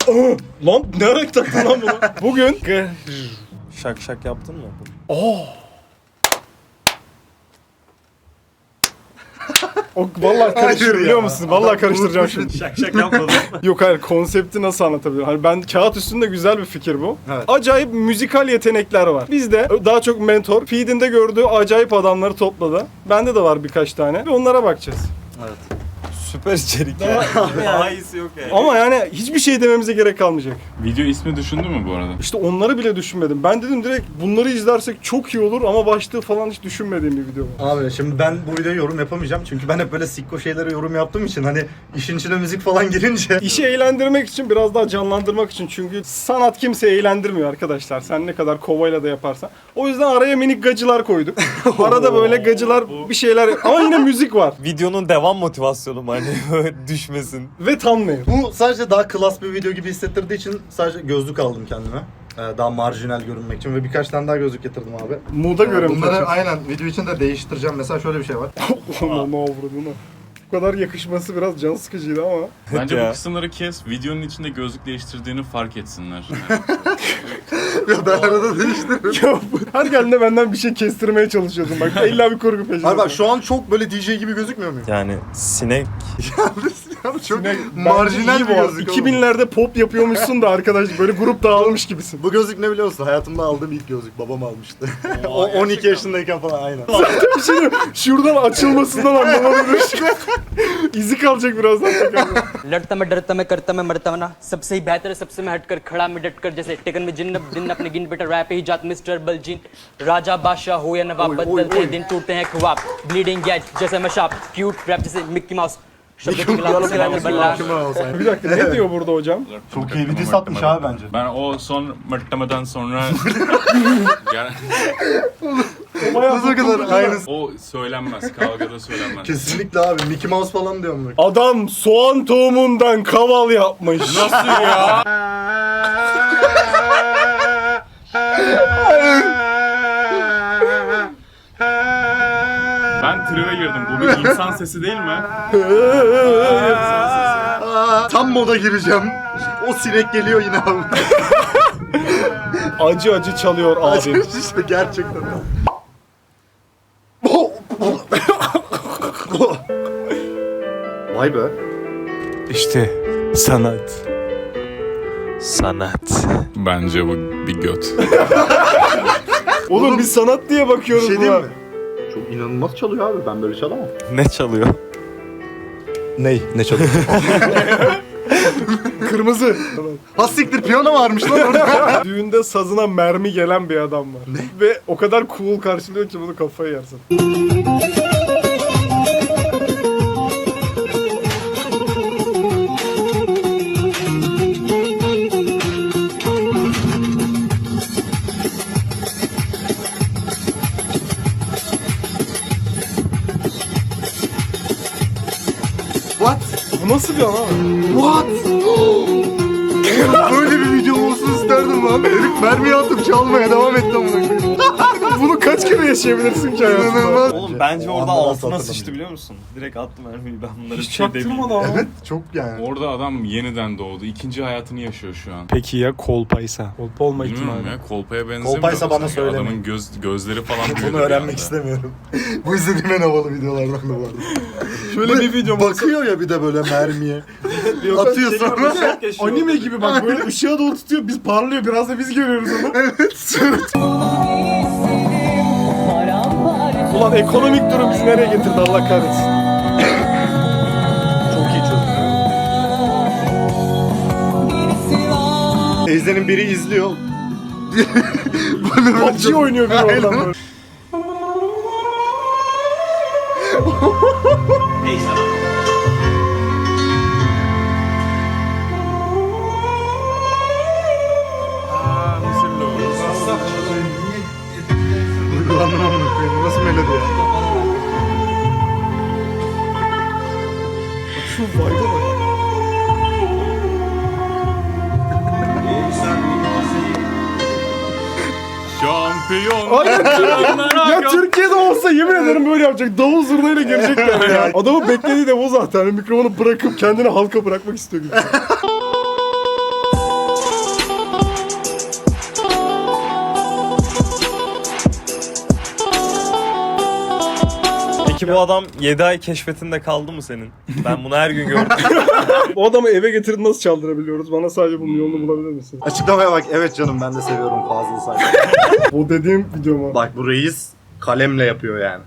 Lan ne ara taktın lan bunu? Bugün Şak şak yaptın mı? o vallahi karıştırıyor biliyor musun? Vallahi karıştıracağım şimdi. Şak şak yapmadım. Yok hayır, konsepti nasıl anlatabilirim? Hani ben kağıt üstünde güzel bir fikir bu. Evet. Acayip müzikal yetenekler var. Bizde daha çok mentor, feedinde gördüğü acayip adamları topladı. Bende de var birkaç tane. Ve onlara bakacağız. Evet. Süper içerik ya. Daha iyisi yok yani. Ama yani hiçbir şey dememize gerek kalmayacak. Video ismi düşündün mü bu arada? İşte onları bile düşünmedim. Ben dedim direkt bunları izlersek çok iyi olur ama başlığı falan hiç düşünmediğim bir video var. Abi şimdi ben bu videoya yorum yapamayacağım çünkü ben hep böyle sikko şeylere yorum yaptığım için hani işin içine müzik falan girince İşi eğlendirmek için, biraz daha canlandırmak için, çünkü sanat kimseyi eğlendirmiyor arkadaşlar. Sen ne kadar kovayla da yaparsan. O yüzden araya minik gacılar koyduk. Arada böyle gacılar bir şeyler ama yine müzik var. Videonun devam motivasyonu mu hani düşmesin. Ve thumbnail. bu sadece daha klas bir video gibi hissettirdiği için sadece gözlük aldım kendime. Daha marjinal görünmek için ve birkaç tane daha gözlük getirdim abi. Moda göre mi Bunları takıyorsun? aynen video için de değiştireceğim. Mesela şöyle bir şey var. Aman ne avradına. Bu kadar yakışması biraz can sıkıcıydı ama. Bence Ya. bu kısımları kes, videonun içinde gözlük değiştirdiğini fark etsinler. Ya ben arada değiştiririm. Ya her geldiğinde benden bir şey kestirmeye çalışıyordum bak. İlla bir kurgu peşinde. Abi bak şu an çok böyle DJ gibi gözükmüyor muyum? Yani sinek. Yani çok Bence marjinal iyi bir bu. gözlük. 2000'lerde pop yapıyormuşsun da arkadaş, böyle grup dağılmış gibisin. Bu gözlük ne biliyor musun? Hayatımda aldığım ilk gözlük. Babam almıştı. O 12 yaşındayken falan aynen. Bir şey diyeyim, şuradan açılmasından anlamadım. İzi kalacak birazdan. लड़ता मैं डरता मैं करता मैं मरता मैं ना सबसे ही बेहतर है सबसे मैं हटकर खड़ा मैं डटकर जैसे टेकन में जिन अपने गिन बेटा रैप ही जात मिस्टर बलजीन राजा बादशाह हो या नवाब बदलते दिन टूटते हैं ख्वाब ब्लीडिंग गैज जैसे मैं शाप क्यूट रैप जैसे मिक्की माउस शब्द की कलाम से रहते बल्ला Bir dakika, ne diyor burada hocam? Çok iyi bir diss atmış abi bence. Ben o son mırtlamadan sonra... Yani Nasıl kadar aynısı. o söylenmez, kavgada söylenmez. Kesinlikle abi. Mickey Mouse falan diyorum bak. Adam soğan tohumundan kaval yapmış. Nasıl ya? Ben tribe girdim. Bu bir insan sesi değil mi? Tam moda gireceğim. O sinek geliyor yine abi. Acı acı çalıyor abim. işte gerçekten. Vay be. İşte sanat. Sanat. Bence bu bir göt. Oğlum biz sanat diye Bir bakıyoruz şey buna. diyeyim mi? Çok inanılmaz çalıyor abi. Ben böyle çalamam. Ne çalıyor? Ney? Ne çalıyor? Kırmızı. Ha siktir piyano varmış lan orada. Düğünde sazına mermi gelen bir adam var. Ve o kadar cool karşılıyor ki bunu kafaya yersin. What? Bu nasıl bir adam? What? Böyle bir video olsun isterdim lan. Herif mermiyi atıp çalmaya devam etti amına koyayım. Bunu kaç kere yaşayabilirsin ki hayatında? İnanılmaz. Oğlum bence orada Ondan altına nasıl sıçtı biliyor musun? Direkt attım mermiyi ben bunları Hiç bir şey demeyeyim. çaktırmadı ama. Evet çok yani. Orada adam yeniden doğdu. İkinci hayatını yaşıyor şu an. Peki ya kolpaysa? Kolpa olma Bilmiyorum ihtimali. ya, kolpaya benzemiyor. Kolpaysa bana sanki. söylemeyin. Adamın gözleri falan büyüdü Bunu bir öğrenmek anda. istemiyorum. Bu izlediğim en havalı videolardan da vardı. Şöyle bir video Bakıyor ya bir de böyle mermiye. Atıyor sonra. Anime gibi bak, böyle ışığa doğru tutuyor, biz parlıyor, biraz da biz görüyoruz onu. Evet. Ulan ekonomik durum bizi nereye getirdi Allah kahretsin. Çok iyi çözüm. Teyzenin biri izliyor. Bunu PUBG oynuyor biri oradan böyle. Duygulandım amına koyayım. Nasıl melodi ya? Şu vibe'a bak. Şampiyon. Aynen. Ya Türkiye'de olsa yemin ederim böyle yapacak. Davul zurnayla girecekler ya. Adamın beklediği de bu zaten. Mikrofonu bırakıp kendini halka bırakmak istiyor gibi. bu adam 7 ay keşfetinde kaldı mı senin? Ben bunu her gün gördüm. Bu adamı eve getirip nasıl çaldırabiliyoruz? Bana sadece bunun yolunu bulabilir misin? Açıklamaya bak. Evet canım ben de seviyorum Fazıl Say. O dediğim video mu? Bak bu reis kalemle yapıyor yani.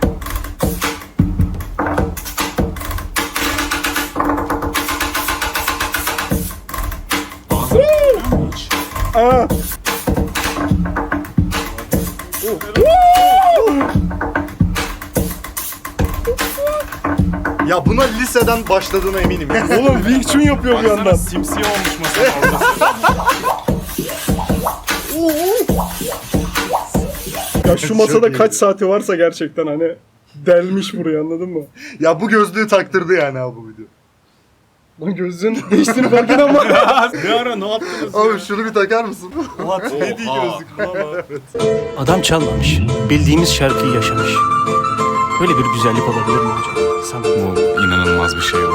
Aa. Ya buna liseden başladığına eminim. Oğlum Wing Chun yapıyor bir yandan. Baksana simsiyah olmuş masanın ortası. Ya şu masada kaç saati varsa gerçekten hani delmiş burayı, anladın mı? Ya bu gözlüğü taktırdı yani abi bu video. Lan gözün değiştiğini fark eden ama. Ne ara ne yaptınız? Abi şunu bir takar mısın? What? Ne diye Oha. gözlük? Adam çalmamış. Bildiğimiz şarkıyı yaşamış. Böyle bir güzellik olabilir mi hocam? Sanat. Bu inanılmaz bir şey bu.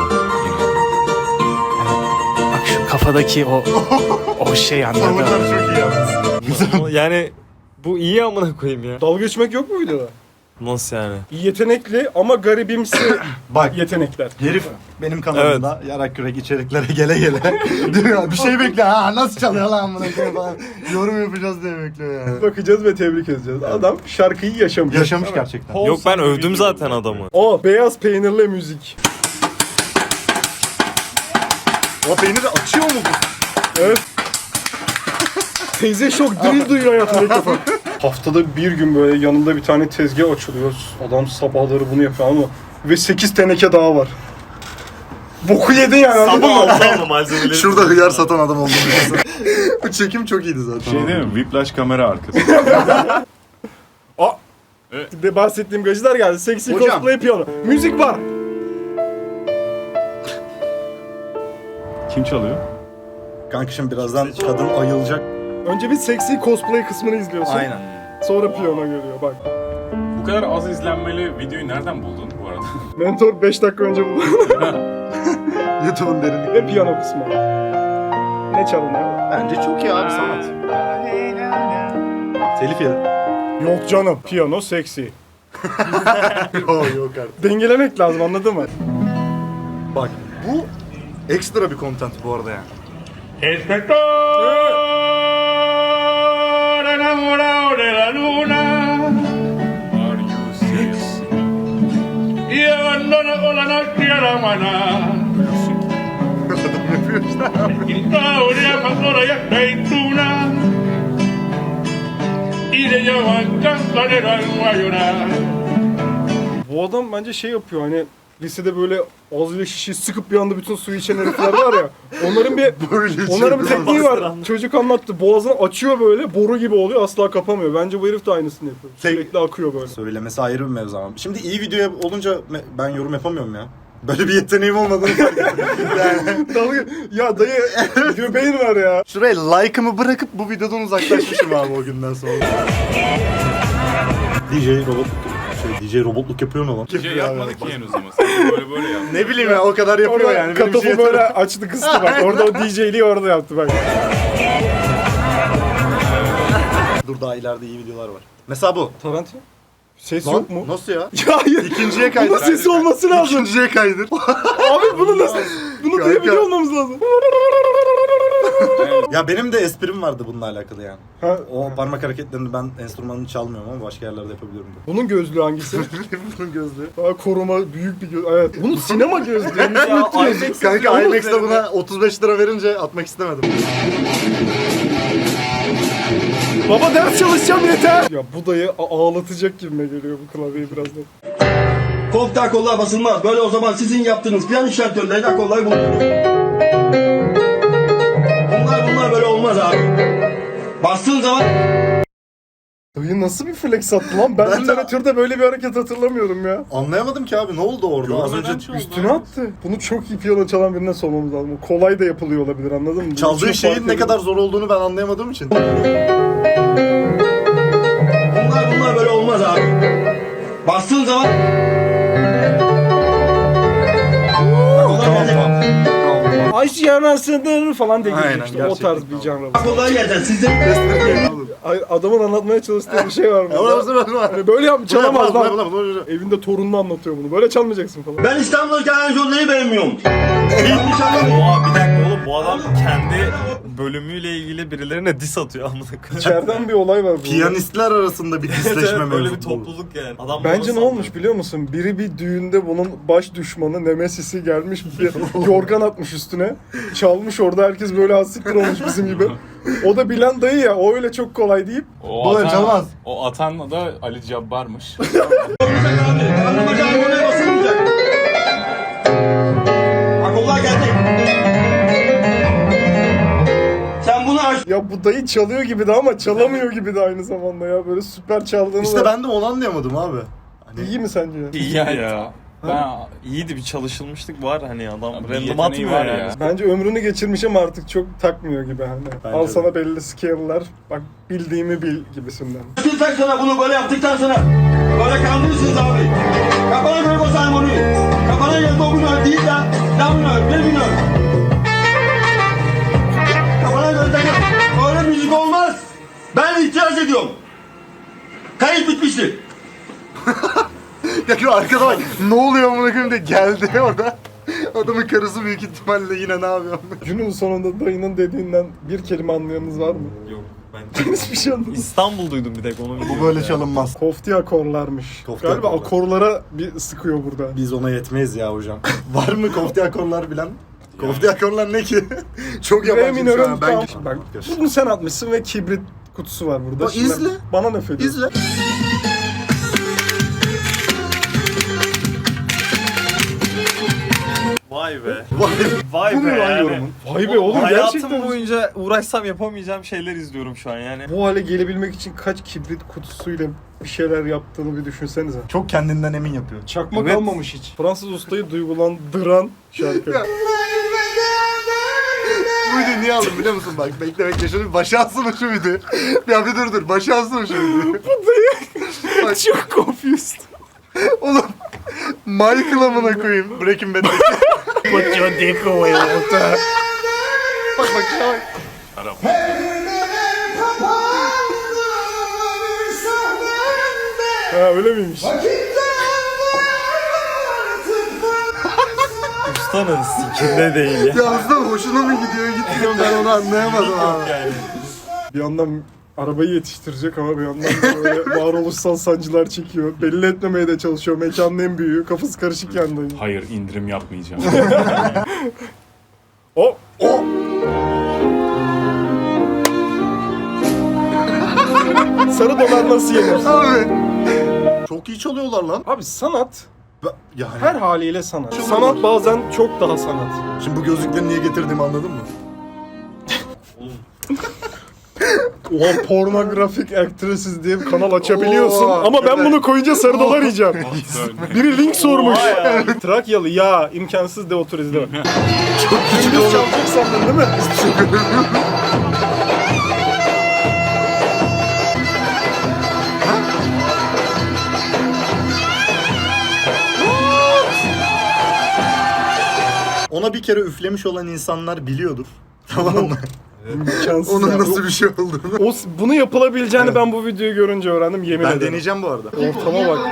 Bak şu kafadaki o şey anladın mı? Tavırlar çok iyi yalnız. Yani bu iyi amına koyayım ya. Dalga geçmek yok mu videoda? Nasıl yani? Yetenekli ama garibimsi Bak yetenekler. herif benim kanalımda yarak yürek içeriklere gele gele diyor bir şey bekliyor. Ha nasıl çalıyor lan bunu falan. Yorum yapacağız diye bekliyor yani. Bakacağız ve tebrik edeceğiz. Adam şarkıyı yaşamış. Yaşamış gerçekten. Yok ben övdüm zaten adamı. O beyaz peynirli müzik. O peyniri açıyor mu bu? Evet. Teyze şok drill duyuyor hayatında ilk defa. Haftada bir gün böyle yanında bir tane tezgah açılıyor. Adam sabahları bunu yapıyor ama ve 8 teneke daha var. Boku yedin yani, anladın mı? Sabah malzemeleri. Şurada hıyar satan adam olduğunu biliyorsun. Bu çekim çok iyiydi zaten. Şey değil mi? Whiplash kamera arkası. De bahsettiğim gacılar geldi. Sexy Hocam. cosplay piyano. Müzik var. Kim çalıyor? Kanka şimdi birazdan kadın ayılacak. Önce bir sexy cosplay kısmını izliyorsun. Aynen. Sonra piyano geliyor bak. Bu kadar az izlenmeli videoyu nereden buldun bu arada? Mentor 5 dakika önce buldu. YouTube'un derinlikleri. Ve piyano kısmı. Ne çalınıyor? Bence çok iyi abi sanat. Telif yedi. Yok canım. Piyano sexy. Yok artık. Dengelemek lazım, anladın mı? Bak bu ekstra bir content bu arada yani. Enamorado de la luna Are you serious? y abandona con la noche a la mañana. Historia pastora y aceituna y le llaman cantarero al guayona. Bu adam bence şey yapıyor hani lisede böyle ağzıyla şişeyi sıkıp bir anda bütün suyu içen herifler var ya. Onların bir onların bir tekniği var. Çocuk anlattı. Boğazını açıyor böyle, boru gibi oluyor, asla kapamıyor. Bence bu herif de aynısını yapıyor. Sürekli akıyor böyle. Söylemesi ayrı bir mevzu ama. Şimdi iyi video olunca ben yorum yapamıyorum ya. Böyle bir yeteneğim olmadığını fark ettim. Yani Dalga ya dayı göbeğin var ya. şuraya like'ımı bırakıp bu videodan uzaklaşmışım abi o günden sonra. DJ robotluk DJ robotluk yapıyor mu lan? Şey yapmadık ki henüz ama. Sen böyle yap. Ne bileyim ya o kadar yapıyor Orada yani. Benim katofu şey böyle açtı kıstı bak. Orada o DJ'liği orada yaptı bak. Dur daha ileride iyi videolar var. Mesela bu. Tarantino? Ses Lan, yok mu? Nasıl ya? Ya hayır. İkinciye kaydır. Bunun sesi olması lazım. İkinciye kaydır. Abi bunu nasıl? Bunu Kanka. duyabiliyor olmamız lazım. Ya benim de esprim vardı bununla alakalı yani. Ha, O parmak hareketlerini ben enstrümanını çalmıyorum ama başka yerlerde yapabiliyorum da. bunun gözlüğü hangisi? Bunun gözlüğü. Koruma büyük bir göz. Evet. Bunun sinema gözlüğü. Kanka IMAX'te buna 35 lira verince atmak istemedim. Baba ders çalışacağım yeter. Ya bu dayı ağlatacak gibime geliyor bu klavyeyi birazdan. Koltuğa kollar basılmaz. Böyle o zaman sizin yaptığınız piyano şartörlerine kollar bulunur. Bunlar böyle olmaz abi. Bastığın zaman Dayı nasıl bir flex attı lan? Ben Ben de- literatürde böyle bir hareket hatırlamıyorum ya. Anlayamadım ki abi ne oldu orada? Az önce Üstüne attı. Bunu çok iyi piyano çalan birine sormamız lazım. O kolay da yapılıyor olabilir, anladın mı? Bunun çaldığı için şeyin fark ne ediyor. kadar zor olduğunu ben anlayamadığım için. bunlar böyle olmaz abi. Bastığın zaman Tamam. Ay yanasıdır falan diye Aynen, girecek işte. O gerçekten. tarz bir canlı. Kolay gelsin sizin. Hayır, adamın anlatmaya çalıştığı bir şey var mı? Hani böyle çalamaz lan. Evinde torununu anlatıyor bunu. Böyle çalmayacaksın falan. Ben İstanbul'daki Jolle'yi beğenmiyorum. Hiç anlamadım. Oha bir dakika oğlum bu adam kendi bölümüyle ilgili birilerine diss atıyor amına koyayım. İçeriden bir olay var burada. Piyanistler arasında bir disleşme Böyle bir mevzu. topluluk yani. Adam Bence bunu ne olmuş biliyor musun? Biri bir düğünde bunun baş düşmanı Nemesis'i gelmiş bir yorgan atmış üstüne. Çalmış orada herkes böyle hassiktir olmuş bizim gibi. O da bilen dayı ya o öyle çok kolay deyip Bu öyle çalmaz. O atan da Ali Cabbar'mış. Karnıma canlıya basılmayacak. Akollar geldi. Sen bunu aç. ya bu dayı çalıyor gibi de ama çalamıyor gibi de aynı zamanda ya böyle süper çaldığını İşte da. ben de onu anlayamadım abi. Hani İyi mi sence? İyi ya. Ben İyiydi bir çalışılmışlık var hani adam bir random yeteneği atmıyor var yani. ya. Bence ömrünü geçirmiş ama artık çok takmıyor gibi hani. Bence Al de. sana belli scale'lar, bak bildiğimi bil gibisinden. Açtıktan sonra bunu böyle yaptıktan sonra böyle kandırırsınız abi. Kafana göre basarım onu. Kafana göre domino değil de damino, demino. Kafana göre takın. Öyle müzik olmaz. Ben itiraz ediyorum. Kayıt bitmiştir. ya şu arkada bak ne oluyor amına koyayım de geldi orada. Adamın karısı büyük ihtimalle yine ne yapıyor? Günün sonunda dayının dediğinden bir kelime anlayanınız var mı? Yok ben Hiçbir şey anlamadım. İstanbul duydum bir tek onu Bu böyle çalınmaz. Kofti akorlarmış. Kofti Galiba akorlar. akorlara bir sıkıyor burada. Biz ona yetmeyiz ya hocam. Var mı kofti akorlar bilen? Kofti akorlar ne ki? Çok Re yabancı şu minörün an. tam... Bak bunu sen atmışsın ve kibrit kutusu var burada. Bak, Şimdi izle. Bana ne ediyorsun? İzle. Vay be. Vay. Vay Bu be mu lan yani. yorumun? Vay be oğlum Hayatım gerçekten. boyunca uğraşsam yapamayacağım şeyler izliyorum şu an yani. Bu hale gelebilmek için kaç kibrit kutusuyla bir şeyler yaptığını bir düşünsenize. Çok kendinden emin yapıyor. Çakma Evet. kalmamış hiç. Fransız ustayı duygulandıran şarkı. Bu videoyu niye aldım biliyor musun? Bak bekle şöyle bir başa alsana şu videoyu. Ya bir dur başa alsana şu videoyu. Bak, Çok confused. oğlum Michael amına koyayım Breaking Bad'deki. Put your dick away, Walter. Bak şuna bak. Ha öyle miymiş? Ustanın sikinde değil ya. Ya aslında hoşuna mı gidiyor gitmiyor ben onu anlayamadım abi. Yani. Bir yandan arabayı yetiştirecek ama bir yandan da böyle varoluşsal sancılar çekiyor. Belli etmemeye de çalışıyor. Mekanın en büyüğü. Kafası karışık yandayım. Hayır indirim yapmayacağım. O Sarı dolar nasıl yenir? Abi. Çok iyi çalıyorlar lan. Abi sanat Yani. her haliyle sanat. Sanat bazen çok daha sanat. Şimdi bu gözlükleri niye getirdiğimi anladın mı? Oha pornografik actresses diye bir kanal açabiliyorsun. Oo, Ama ben evet. bunu koyunca sarı dolar yiyeceğim. Biri link sormuş. Oha ya. Trakyalı ya imkansız de otur izle. Çok küçük çalacak sandın değil mi? Ona bir kere üflemiş olan insanlar biliyordur. Tamam mı? İmkansız Onun ya. nasıl bir şey olduğunu. Bunu yapılabileceğini ben bu videoyu görünce öğrendim yemin Ben ederim. deneyeceğim bu arada. Ortama bak.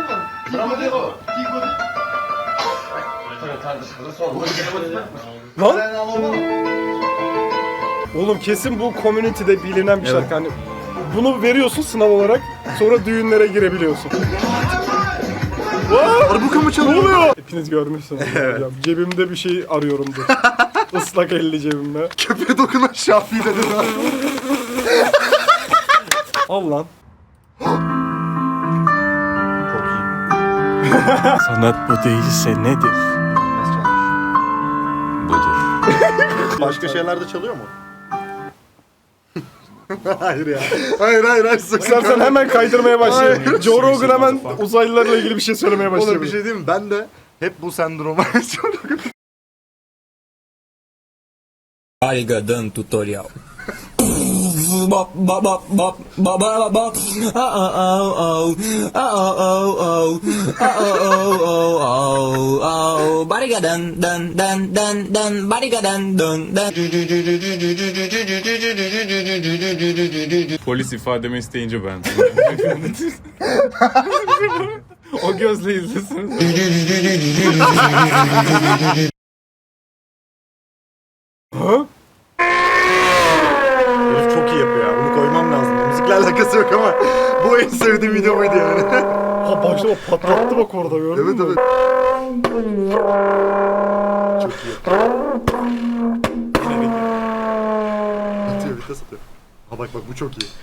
Lan? Oğlum kesin bu community'de bilinen bir şarkı. Hani bunu veriyorsun sınav olarak sonra düğünlere girebiliyorsun. Arbuka mı Ne çalıyor? oluyor? Hepiniz görmüşsünüz. Ya, cebimde bir şey arıyorumdur. Islak elli cebimde. Köpeğe dokunan Şafii dedin abi. Al lan. Çok iyi. Sanat bu değilse nedir? Budur. Başka şeyler de çalıyor mu? Hayır ya. Hayır. İstersen hemen kaydırmaya başlayalım. Hayır. Joe Rogan hemen uzaylılarla ilgili bir şey söylemeye Oğlum bir başlayabilir. şey diyeyim mi? Ben de hep bu sendroma yaşıyorum. Arigadan tutorial. Polis ifademi isteyince ben. O gözle izlesin. Herif çok iyi yapıyor ya. Bunu koymam lazım. Müzikle alakası yok ama bu en sevdiğim video buydu yani. Ha başta bak patlattı bak orada gördün Evet mü? evet. Çok iyi. Atıyor vites atıyor. Ha bak bu çok iyi.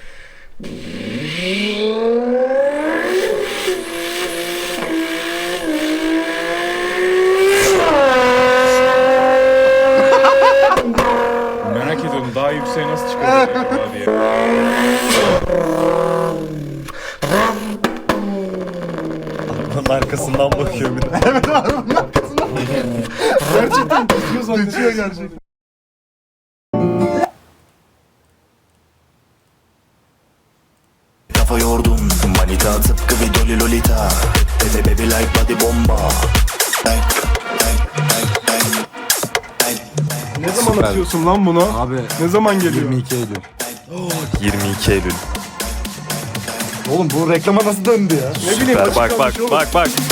Merak ediyorum daha yükseğe nasıl çıkacak acaba diye. Bunun arkasından bakıyor bir de. Gerçekten düşüyor zannediyor. Geçiyor gerçekten. Kafa yordum manita tıpkı bir doli lolita. Bebe baby like body bomba. Ne zaman atıyorsun lan bunu? Abi Ne zaman geliyor? 22 Eylül. 22 Eylül. Oğlum bu reklama nasıl döndü ya? Ne bileyim açık Bak kalmış oğlum. bak.